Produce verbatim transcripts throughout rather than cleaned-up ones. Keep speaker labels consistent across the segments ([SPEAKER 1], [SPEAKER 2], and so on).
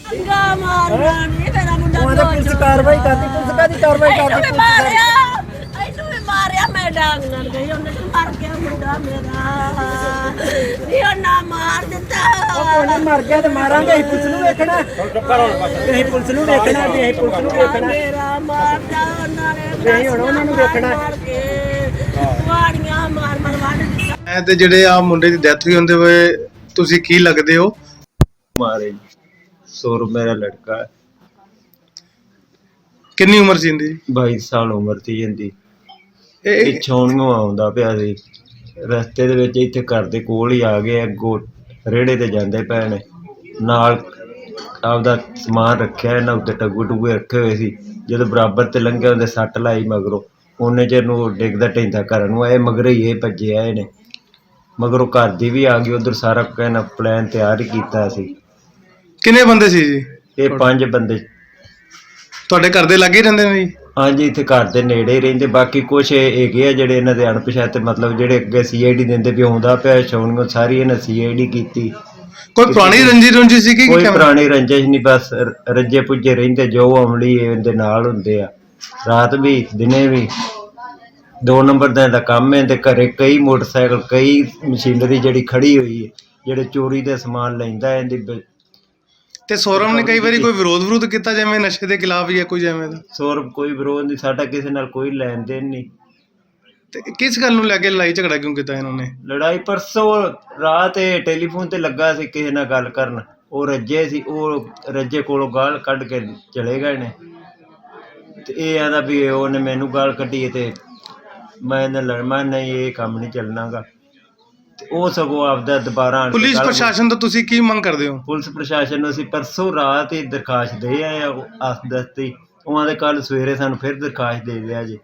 [SPEAKER 1] पंगा मारना नहीं मेरा मुंडा
[SPEAKER 2] ਉਹਦੇ ਪੁਲਿਸ ਕਾਰਵਾਈ ਕਰਦੀ ਪੁਲਿਸ ਕਾਦੀ ਕਾਰਵਾਈ ਕਰਦੀ
[SPEAKER 1] ਇਹਨੂੰ ਵੀ ਮਾਰਿਆ ਇਹਨੂੰ ਵੀ ਮਾਰਿਆ ਮੈਂ ਡਾਂਗ ਨਾਲ ਗਈ ਉਹਨੇ ਤਾਂ ਮਰ ਗਿਆ ਮੁੰਡਾ ਮੇਰਾ ਨਹੀਂ ਉਹ ਨਾ ਮਾਰ ਦਿੱਤਾ
[SPEAKER 2] ਉਹਨੇ ਮਰ ਗਿਆ ਤੇ ਮਾਰਾਂਗੇ ਅਸੀਂ ਪੁਲਿਸ ਨੂੰ ਵੇਖਣਾ ਅਸੀਂ ਪੁਲਿਸ ਨੂੰ ਵੇਖਣਾ ਤੇ ਅਸੀਂ ਪੁਲਿਸ ਨੂੰ ਵੇਖਣਾ
[SPEAKER 1] ਮੇਰਾ ਮਾਰਦਾ ਉਹਨਾਂ ਨੇ
[SPEAKER 2] ਨਹੀਂ ਹੁਣ ਉਹਨਾਂ ਨੂੰ ਵੇਖਣਾ
[SPEAKER 1] ਵਾੜੀਆਂ ਮਾਰ ਮਾਰ ਵੱਢ ਦਿੱਤਾ
[SPEAKER 3] ਐ ਤੇ ਜਿਹੜੇ ਆ ਮੁੰਡੇ ਦੀ ਡੈਥ ਹੋਈ ਹੁੰਦੇ ਵੇ ਤੁਸੀਂ ਕੀ ਲੱਗਦੇ ਹੋ?
[SPEAKER 4] ਮਾਰੇ ਸੌਰਵ ਮੇਰਾ ਲੜਕਾ ਹੈ,
[SPEAKER 3] ਕਿੰਨੀ ਉਮਰ ਸੀ ਇਹਦੀ?
[SPEAKER 4] ਬਾਈ ਸਾਲ ਉਮਰ ਸੀ ਇਹਦੀ।
[SPEAKER 3] ਇਹ
[SPEAKER 4] ਪਿੱਛੋਂ ਨੂੰ ਆਉਂਦਾ ਪਿਆ ਸੀ, ਰਸਤੇ ਦੇ ਵਿੱਚ ਇੱਥੇ ਘਰ ਦੇ ਕੋਲ ਹੀ ਆ ਗਏ, ਅੱਗੋਂ ਰੇੜੇ ਤੇ ਜਾਂਦੇ ਪਏ ਨੇ, ਨਾਲ ਆਪਦਾ ਸਮਾਨ ਰੱਖਿਆ ਇਹਨਾਂ ਉੱਤੇ, ਟੱਗੂ ਟੁੱਗੇ ਰੱਖੇ ਹੋਏ ਸੀ। ਜਦੋਂ ਬਰਾਬਰ ਤੇ ਲੰਘਿਆ ਉਹਦੇ ਸੱਟ ਲਾਈ ਮਗਰੋਂ, ਉਹਨੇ ਚਿਰ ਨੂੰ ਡਿੱਗਦਾ ਢਹਿੰਦਾ ਘਰ ਨੂੰ ਆਏ, ਮਗਰ ਹੀ ਇਹ ਭੱਜੇ ਆਏ ਨੇ, ਮਗਰੋਂ ਘਰ ਦੀ ਵੀ ਆ ਗਈ ਉੱਧਰ, ਸਾਰਾ ਕਹਿਣਾ ਪਲਾਨ ਤਿਆਰ ਹੀ ਕੀਤਾ ਸੀ।
[SPEAKER 3] ਕਿੰਨੇ ਬੰਦੇ ਸੀ ਜੀ?
[SPEAKER 4] ਇਹ ਪੰਜ ਬੰਦੇ
[SPEAKER 3] ਤੁਹਾਡੇ ਘਰ ਦੇ ਲਾਗੇ ਹੀ ਰਹਿੰਦੇ ਨੇ ਜੀ?
[SPEAKER 4] ਹਾਂਜੀ, ਇੱਥੇ ਘਰ ਦੇ ਨੇੜੇ ਹੀ ਰਹਿੰਦੇ। ਬਾਕੀ ਕੁਛ ਹੈਗੇ ਆ ਜਿਹੜੇ ਇਹਨਾਂ ਦੇ ਅਣਪਛਾਤੇ, ਮਤਲਬ ਜਿਹੜੇ ਅੱਗੇ ਸੀ ਆਈ ਡੀ ਦਿੰਦੇ ਵੀ ਆਉਂਦਾ ਪਿਆ ਛਾਉਣੀਆਂ, ਸਾਰੀ ਇਹਨਾਂ ਸੀ ਆਈ ਡੀ ਕੀਤੀ।
[SPEAKER 3] ਕੋਈ ਪੁਰਾਣੀ ਰੰਜੀ ਰੁੰਜੀ ਸੀ ਕਿ
[SPEAKER 4] ਕੋਈ ਪੁਰਾਣੀ ਰੰਜਿਸ਼ ਨਹੀਂ, ਬਸ ਰੱਜੇ ਪੁੱਜੇ ਰਹਿੰਦੇ, ਜੋ ਅਮਲੀ ਇਹਦੇ ਨਾਲ ਹੁੰਦੇ ਆ, ਰਾਤ ਵੀ ਦਿਨੇ ਵੀ। ਦੋ ਨੰਬਰ ਦਾ ਇਹਦਾ ਕੰਮ ਹੈ, ਤੇ ਘਰੇ ਕਈ ਮੋਟਰਸਾਈਕਲ, ਕਈ ਮਸ਼ੀਨਰੀ ਜਿਹੜੀ ਖੜੀ ਹੋਈ ਹੈ, ਜਿਹੜੇ ਚੋਰੀ ਦੇ ਸਮਾਨ ਲੈਂਦਾ ਇਹਦੀ।
[SPEAKER 3] ਤੇ ਸੌਰਵ ਨੇ ਕਈ ਵਾਰੀ ਕੋਈ ਵਿਰੋਧ ਵਿਰੋਧ ਕੀਤਾ ਜਿਵੇਂ ਨਸ਼ੇ ਦੇ ਖਿਲਾਫ ਜਾਂ ਕੋਈ ਜਿਵੇਂ ਦਾ?
[SPEAKER 4] ਸੌਰਵ ਕੋਈ ਵਿਰੋਧ ਨਹੀਂ, ਸਾਡਾ ਕਿਸੇ ਨਾਲ ਕੋਈ ਲੈਣ ਦੇਣ ਨਹੀਂ।
[SPEAKER 3] ਤੇ ਕਿਸ ਗੱਲ ਨੂੰ ਲੈ ਕੇ ਲੜਾਈ ਝਗੜਾ ਕਿਉਂ ਕੀਤਾ ਇਹਨਾਂ ਨੇ?
[SPEAKER 4] ਲੜਾਈ ਪਰਸੋਂ ਰਾਤ ਇਹ ਟੈਲੀਫੋਨ ਤੇ ਲੱਗਾ ਸੀ ਕਿਸੇ ਨਾਲ ਗੱਲ ਕਰਨ, ਉਹ ਰੱਜੇ ਸੀ, ਉਹ ਰੱਜੇ ਕੋਲੋਂ ਗਾਲ ਕੱਢ ਕੇ ਚਲੇ ਗਏ ਨੇ, ਤੇ ਇਹ ਆਂਦਾ ਵੀ ਉਹਨੇ ਮੈਨੂੰ ਗਾਲ ਕੱਢੀ ਤੇ ਮੈਂ ਇਹਨਾਂ ਲੜਨਾ ਨਹੀਂ, ਇਹ ਕੰਮ ਨਹੀਂ ਚੱਲਣਾਗਾ। ਤੇ ਉਹ ਸਗੋਂ ਆਪਦਾ ਦੁਬਾਰਾ
[SPEAKER 3] ਪੁਲਿਸ ਪ੍ਰਸ਼ਾਸਨ ਤੋਂ ਤੁਸੀਂ ਕੀ ਮੰਗ ਕਰਦੇ ਹੋ?
[SPEAKER 4] ਪੁਲਿਸ ਪ੍ਰਸ਼ਾਸਨ ਨੂੰ ਅਸੀਂ ਪਰਸੋਂ ਰਾਤ ਹੀ ਦਰਖਾਸਤ ਦੇ ਆਏ ਆ ਅਸਦਸਤੀ, ਉਹਨਾਂ ਦੇ ਕੱਲ ਸਵੇਰੇ ਸਾਨੂੰ ਫਿਰ ਦਰਖਾਸਤ ਦੇ ਦਿਆ ਜੀ,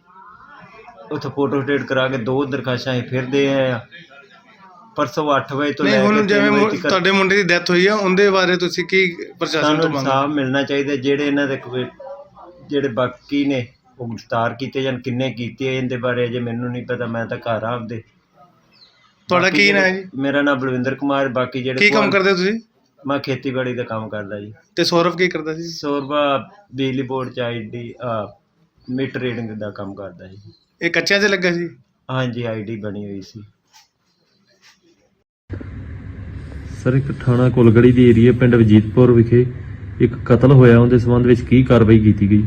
[SPEAKER 4] ਉੱਥੇ ਫੋਟੋ ਸਟੇਟ ਕਰਾ ਕੇ ਦੋ ਦਰਖਾਸਤਾਂ ਅਸੀਂ ਫਿਰ ਦੇ ਆਏ ਆ ਪਰਸੋਂ ਅੱਠ ਵਜੇ ਤੋਂ ਲੈ ਕੇ।
[SPEAKER 3] ਹੁਣ ਜਿਵੇਂ ਤੁਹਾਡੇ ਮੁੰਡੇ ਦੀ ਡੈਥ ਹੋਈ ਆ ਉਹਦੇ ਬਾਰੇ ਤੁਸੀਂ ਕੀ ਪ੍ਰਸ਼ਾਸਨ ਤੋਂ
[SPEAKER 4] ਸਾਨੂੰ
[SPEAKER 3] ਮੰਗ?
[SPEAKER 4] ਇਨਸਾਫ ਮਿਲਣਾ ਚਾਹੀਦਾ, ਜਿਹੜੇ ਇਹਨਾਂ ਦੇ ਕੋਈ ਜਿਹੜੇ ਬਾਕੀ ਨੇ ਉਹ ਗ੍ਰਿਫਤਾਰ ਕੀਤੇ ਜਾਣ। ਕਿੰਨੇ ਕੀਤੇ ਇਹਦੇ ਬਾਰੇ ਅਜੇ ਮੈਨੂੰ ਨਹੀਂ ਪਤਾ, ਮੈਂ ਤਾਂ ਘਰ ਆ ਆਪਦੇ।
[SPEAKER 3] ਤੁਹਾਡਾ ਕੀ ਨਾਂ ਹੈ ਜੀ?
[SPEAKER 4] ਮੇਰਾ ਨਾਮ ਬਲਵਿੰਦਰ ਕੁਮਾਰ। ਬਾਕੀ ਜਿਹੜੇ
[SPEAKER 3] ਕੀ ਕੰਮ ਕਰਦੇ ਹੋ ਤੁਸੀਂ?
[SPEAKER 4] ਮੈਂ ਖੇਤੀਬਾੜੀ ਦਾ ਕੰਮ ਕਰਦਾ ਜੀ।
[SPEAKER 3] ਤੇ ਸੌਰਵ ਕੀ ਕਰਦਾ ਸੀ?
[SPEAKER 4] ਸੌਰਵਾ ਬਿਜਲੀ ਬੋਰਡ ਚ ਆਈ ਡੀ ਮੀਟਰ ਰੀਡਿੰਗ ਦਾ ਕੰਮ ਕਰਦਾ ਜੀ।
[SPEAKER 3] ਇਹ ਕੱਚਿਆਂ 'ਚ ਲੱਗਾ ਸੀ?
[SPEAKER 4] ਹਾਂਜੀ, ਆਈ ਡੀ ਬਣੀ ਹੋਈ ਸੀ।
[SPEAKER 5] ਸਰ, ਇੱਕ ਥਾਣਾ ਕੁਲਗੜੀ ਦੀ ਏਰੀਆ ਪਿੰਡ ਵਜੀਦਪੁਰ ਵਿਖੇ ਇੱਕ ਕਤਲ ਹੋਇਆ, ਉਹਦੇ ਸੰਬੰਧ ਵਿੱਚ ਕੀ ਕਾਰਵਾਈ ਕੀਤੀ ਗਈ?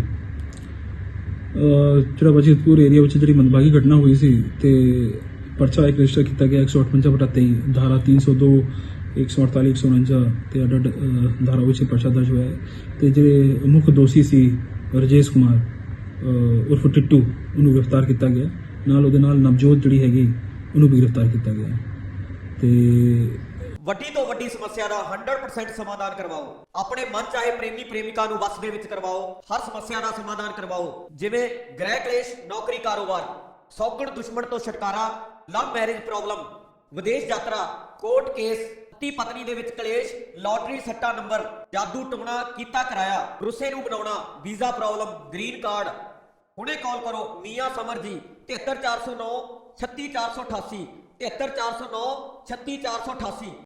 [SPEAKER 6] ਜਿਹੜਾ ਵਜੀਦਪੁਰ ਏਰੀਆ ਵਿੱਚ ਜਿਹੜੀ ਮੰਦਭਾਗੀ ਘਟਨਾ ਹੋਈ ਸੀ, ਤੇ ਪਰਚਾ ਇੱਕ ਰਜਿਸਟਰ ਕੀਤਾ ਗਿਆ ਇੱਕ ਸੌ ਅਠਵੰਜਾ ਬਟਾ ਤੇਈ, ਧਾਰਾ ਤਿੰਨ ਸੌ ਦੋ, ਇੱਕ ਸੌ ਅੜਤਾਲੀ, ਇੱਕ ਸੌ ਉਣੰਜਾ ਤੇ ਅੱਡ ਅੱਡ ਧਾਰਾ ਵਿੱਚ ਪਰਚਾ ਦਰਜ ਹੋਇਆ ਹੈ। ਤੇ ਜਿਹੜੇ ਮੁੱਖ ਦੋਸ਼ੀ ਸੀ ਰਜੇਸ਼ ਕੁਮਾਰ ਉਰਫ ਟਿੱਟੂ, ਉਹਨੂੰ ਗ੍ਰਿਫਤਾਰ ਕੀਤਾ ਗਿਆ। ਨਾਲ ਉਹਦੇ ਨਾਲ ਨਵਜੋਤ ਜਿਹੜੀ ਹੈਗੀ ਉਹਨੂੰ ਵੀ ਗ੍ਰਿਫਤਾਰ ਕੀਤਾ ਗਿਆ। ਤੇ
[SPEAKER 7] ਵੱਡੀ ਤੋਂ ਵੱਡੀ ਸਮੱਸਿਆ ਦਾ ਸੌ ਪਰਸੈਂਟ ਸਮਾਧਾਨ ਕਰਵਾਓ। ਆਪਣੇ ਮਨ ਚਾਹੇ ਪ੍ਰੇਮੀ ਪ੍ਰੇਮਿਕਾ ਨੂੰ ਵਸ ਦੇ ਵਿੱਚ ਕਰਵਾਓ। ਹਰ ਸਮੱਸਿਆ ਦਾ ਸਮਾਧਾਨ ਕਰਵਾਓ, ਜਿਵੇਂ ਗ੍ਰਹਿ ਕਲੇਸ਼, ਨੌਕਰੀ, ਕਾਰੋਬਾਰ, ਸੌਗਣ ਦੁਸ਼ਮਣ ਤੋਂ ਛੁਟਕਾਰਾ, ਲਵ ਮੈਰਿਜ ਪ੍ਰੋਬਲਮ, ਵਿਦੇਸ਼ ਯਾਤਰਾ, ਕੋਰਟ ਕੇਸ, ਪਤੀ ਪਤਨੀ ਦੇ ਵਿੱਚ ਕਲੇਸ਼, ਲਾਟਰੀ ਸੱਟਾ ਨੰਬਰ, ਜਾਦੂ ਟੂਣਾ ਕੀਤਾ ਕਰਾਇਆ, ਰੁੱਸੇ ਨੂੰ ਬਣਾਉਣਾ, ਵੀਜ਼ਾ ਪ੍ਰੋਬਲਮ, ਗ੍ਰੀਨ ਕਾਰਡ। ਹੁਣੇ ਕਾਲ ਕਰੋ ਮੀਆਂ ਸਮਰ ਜੀ, ਤਿਹੱਤਰ ਚਾਰ ਸੌ ਨੌ ਛੱਤੀ ਚਾਰ ਸੌ ਅਠਾਸੀ, ਤਿਹੱਤਰ ਚਾਰ ਸੌ ਨੌ ਛੱਤੀ ਚਾਰ ਸੌ ਅਠਾਸੀ।